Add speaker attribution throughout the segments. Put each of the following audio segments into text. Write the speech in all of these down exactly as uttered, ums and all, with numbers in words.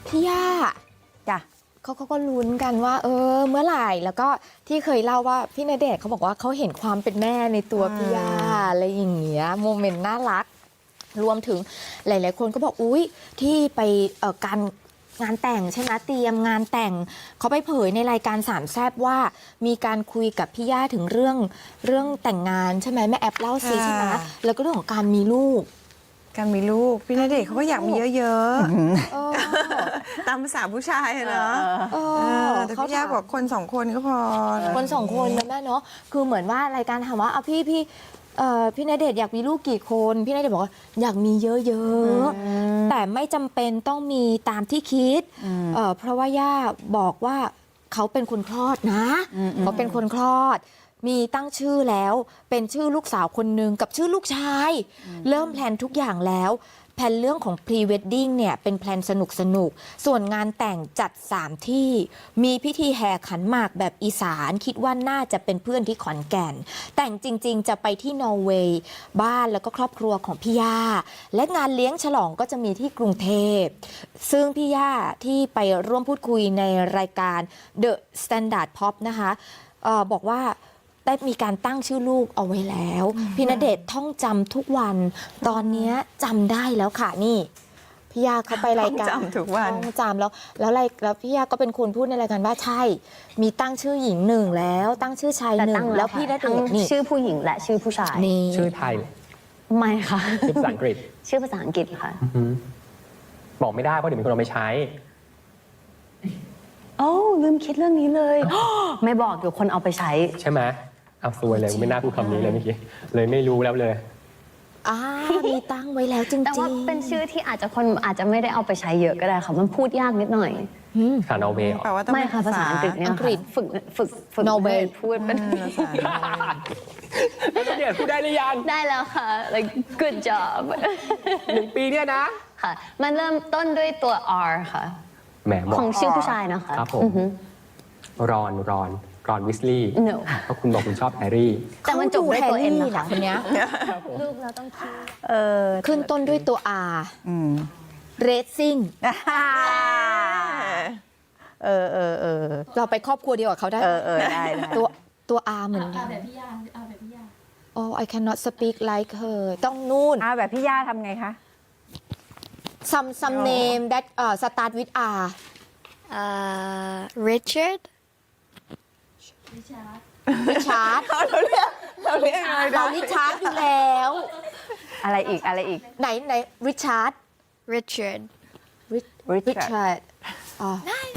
Speaker 1: พี่ย่า
Speaker 2: จ้ะ
Speaker 1: เขาเขาก็ลุ้นกันว่า เออ เมื่อไหร่แล้วก็ที่เคยเล่าว่าพี่ณเดชน์เขาบอกว่าเขาเห็นความเป็นแม่ในตัวพี่ย่าอะไรอย่างเงี้ยโมเมนต์น่ารักรวมถึงหลาย ๆ คนก็บอกอุ๊ยที่ไปเอ่อการงานแต่งใช่ไหมเตรียมงานแต่งเขาไปเผยในรายการสามแซ่บว่ามีการคุยกับพี่ย่าถึงเรื่องเรื่องแต่งงานใช่ไหมแม่แอปเล่าซิใช่ไหมแล้วก็เรื่องของการมีลูก
Speaker 3: การมีลูกพี่ณเดชน์เขาก็อยากมีเยอะ
Speaker 1: เออ
Speaker 3: ๆ ตามภาษาผู้ชายอะเนาะ
Speaker 1: เอ
Speaker 3: เอ
Speaker 1: อ
Speaker 3: อแต่พี่ย่าบอกคนสองคนก็พอ
Speaker 1: คนสองคนนะแม่เนาะคือเหมือนว่ารายการถามว่าเอาพี่พี่เอ่อพี่ณเดชน์อยากมีลูกกี่คนพี่ณเดชน์บอกว่าอยากมีเยอะๆแต่ไม่จำเป็นต้องมีตามที่คิดเอ่อเพราะว่าย่าบอกว่าเขาเป็นคนคลอดนะเขาเป็นคนคลอด มีตั้งชื่อแล้วเป็นชื่อลูกสาวคนหนึ่งกับชื่อลูกชาย เริ่มแพลนทุกอย่างแล้วแพลนเรื่องของ พรี เวดดิ้ง เนี่ยเป็นแพลนสนุกสนุกส่วนงานแต่งจัดสามที่มีพิธีแห่ขันหมากแบบอีสานคิดว่าน่าจะเป็นเพื่อนที่ขอนแก่น แต่งจริง ๆ จะไปที่นอร์เวย์บ้านแล้วก็ครอบครัวของพี่ย่าและงานเลี้ยงฉลองก็จะมีที่กรุงเทพซึ่งพี่ย่าที่ไปร่วมพูดคุยในรายการ The Standard Pop นะคะเออบอกว่าได้มีการตั้งชื่อลูกเอาไว้แล้ว พี่ณเดชน์ท่องจำทุกวัน ตอนนี้จำได้แล้วค่ะนี่พี่ยาเขาไปรายการ
Speaker 3: ท่องจำทุกวัน
Speaker 1: ท่องจำแล้วแล้วรายแล้วพี่ยาก็เป็นคนพูดในรายการว่าใช่ มีตั้งชื่อหญิงหนึ่งแล้วตั้งชื่อชาย
Speaker 4: แต่
Speaker 1: หนึ่
Speaker 4: ตั้
Speaker 1: ง
Speaker 4: ง
Speaker 1: แล้วพี่ณเด
Speaker 4: ทั้ง
Speaker 1: ชน์นี่
Speaker 4: ชื่อผู้หญิงและชื่อผู้ชาย
Speaker 1: นี่
Speaker 5: ชื่อไทย
Speaker 4: ไม่ค่ะ
Speaker 5: ชื่อภาษาอังกฤษ
Speaker 4: ชื่อภาษาอังกฤษค่ะ
Speaker 5: อือหือบอกไม่ได้เพราะเดี๋ยวมีคนเอาไปใช้
Speaker 4: โอ้ลืมคิดเรื่องนี้เลย ไม่บอกเดี๋ยวคนเอาไปใช้
Speaker 5: ใช่ไหมเอาซวยเลยไม่น่าพูดคำนี้เลยเมื่อกี้เลยไม่รู้แล้วเลย
Speaker 1: อ่ามีตั้งไว้แล้วจริงๆ
Speaker 4: แต่ว่าเป็นชื่อที่อาจจะคนอาจจะไม่ได้เอาไปใช้เยอะก็ได้ค่ะ มันพูดยากนิดหน่อย
Speaker 1: อืม
Speaker 5: คานอเวย์
Speaker 3: แปลว่าต้อง
Speaker 4: ไม่
Speaker 3: เป็น
Speaker 4: ค่ะภาษาอังกฤษเนี่ย
Speaker 1: อังกฤษ
Speaker 4: ค่ะฝึกฝึกฝึก
Speaker 1: Norway
Speaker 4: ให้พูดเป็น
Speaker 3: ภาษา
Speaker 5: เดี๋ยวพูดได้หรือยัง
Speaker 4: ได้แล้วค่ะ like good job
Speaker 5: หนึ่งปีเนี่ยนะ
Speaker 4: ค่ะ มันเริ่มต้นด้วยตัว R ค่ะ
Speaker 5: แหมบอ
Speaker 4: ข
Speaker 5: ก
Speaker 4: องชื่อผู้ชายนะคะ
Speaker 5: ครับผม
Speaker 4: อือฮึ
Speaker 5: รอนรอนรอนวิสลีย์
Speaker 4: No
Speaker 5: เพราะคุณบอกคุณชอบแฮร์รี่
Speaker 4: แต่มันจบด้วยตัว
Speaker 1: ขา
Speaker 4: N
Speaker 1: ดู
Speaker 4: นะคะ
Speaker 1: แฮร์รี่คนเนี้ย
Speaker 4: ลูกเราต้องคิด
Speaker 2: เออ
Speaker 1: ขึ้นต้นด้วยตัว R
Speaker 2: อืม
Speaker 1: Racing
Speaker 2: เออเออเออ
Speaker 1: เราไปครอบครัวเดียวกับเขาได้
Speaker 2: เออเออได้ได้
Speaker 1: ตัวตัว R เหมือนกัน
Speaker 6: แบบพี่ยาเอาแบบพี่ยา
Speaker 1: Oh I cannot speak like her ต้องนู่น
Speaker 2: อ่าแบบพี่ย่าทำไงคะ
Speaker 1: some some name that uh, start with R
Speaker 6: uh, Richard
Speaker 1: Richard
Speaker 3: เราเรียกเราเรียกอะไร
Speaker 1: เรา
Speaker 3: นะ
Speaker 1: ริชาร์ดอยู่แล้ว
Speaker 2: อะไรอีกอะไรอีก
Speaker 1: ไหนไหนริชาร์ด
Speaker 6: Richard
Speaker 1: Richard อ๋อ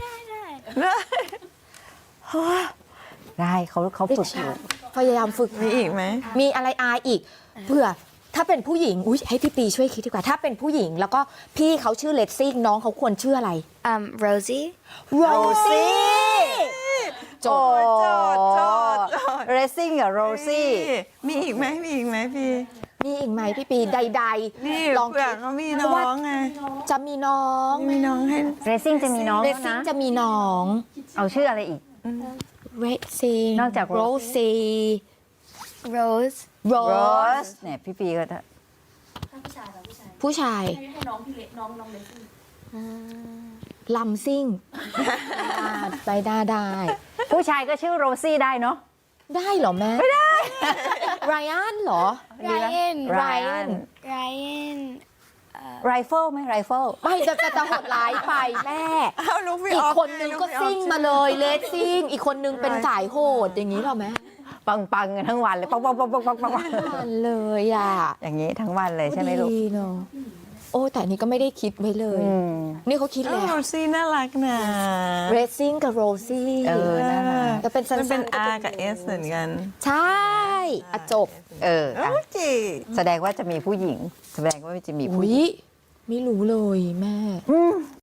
Speaker 2: ได้เขาเขาฝึกอยู่
Speaker 1: พยายามฝึก
Speaker 3: มีอีกไหม
Speaker 1: มีอะไร R อีกเผื่อถ้าเป็นผู้หญิงอุ้ยให้พี่ปีช่วยคิดดีกว่า ถ้าเป็นผู้หญิงแล้วก็พี่เขาชื่อเลดซิ่งน้องเขาควรชื่ออะไร
Speaker 6: um, Rosie
Speaker 1: โรซี่โจ
Speaker 3: โอ้ยโจทย์โจทย์โจทย์
Speaker 2: เรซิ่งกับโรซี่
Speaker 3: มีอีกไหมมีอีกไหมพี่
Speaker 1: มีอีกไหมพี่ปีใด
Speaker 3: นี่
Speaker 1: ๆ ลอง
Speaker 3: เผื่อ
Speaker 1: คิด
Speaker 3: เขามีน้องไง
Speaker 1: จะมีน้อง
Speaker 3: มีน้องให้
Speaker 2: เรซิ่งจะมีน้อง
Speaker 1: เร
Speaker 2: แล้ว
Speaker 1: ซิ่ง
Speaker 2: นะ
Speaker 1: จะมีน้อง
Speaker 2: เอาชื่ออะไรอีก
Speaker 1: เรซิ่ง
Speaker 2: นอกจาก
Speaker 1: โร
Speaker 2: Rosie
Speaker 1: ซี่
Speaker 6: Rose
Speaker 1: โร
Speaker 2: โร
Speaker 1: ส
Speaker 2: สเนี่ยพี่ปีก็จะ
Speaker 1: ผู้ชาย
Speaker 6: ให้น้องพี่เล็กน้องน้องเล็ก
Speaker 1: ลำซิ่งไปได้ได้
Speaker 2: ผู้ชายก็ชื่อโรซี่ได้เนาะ
Speaker 1: ได้เหรอแม่ ไม่ได้ไรอันเหรอ
Speaker 6: Ryan
Speaker 2: Ryan
Speaker 6: Ryan
Speaker 2: ไรเฟิลไหมไรเฟิล
Speaker 1: ไม่จะจะจะโหดร้ายไปแม่
Speaker 3: เอาลูกพี่
Speaker 1: อี
Speaker 3: อก อฟ
Speaker 1: คนนึงก็
Speaker 3: ลูพี่ออฟ
Speaker 1: ซิ่งมาเลยเลสซิ่ง อีกคนนึงเป็นสายโหดอย่างนี้เหรอแม่
Speaker 2: ปังปังกันทั้งวันเลยปังปังปังปังปังปัง
Speaker 1: มันเลยอ่ะ
Speaker 2: อย่างนี้ทั้งวันเลยใช่ไหมลูก
Speaker 1: ดีเนาะโอ้แต่อันนี้ก็ไม่ได้คิดไว้เลย
Speaker 2: อืม
Speaker 1: นี่เขาคิด
Speaker 3: เอ
Speaker 1: แล้
Speaker 3: อ
Speaker 1: ว
Speaker 3: โรซี่น่ารักนะ
Speaker 1: เรซซิ่งกับโรซี่
Speaker 2: เออน่ารัก
Speaker 1: แต่เป็นสั้น
Speaker 3: มัน
Speaker 1: ๆ
Speaker 3: เป็น
Speaker 1: ก็
Speaker 3: R กับ S เหมือนกัน
Speaker 1: ใช่อะจบ
Speaker 2: เออ
Speaker 3: โอ
Speaker 2: อ่ะ
Speaker 3: เค
Speaker 2: แสดงว่าจะมีผู้หญิง แสดงว่าจะมีผู้
Speaker 1: อุ้
Speaker 2: หญิง
Speaker 1: ยไม่รู้เลยแม่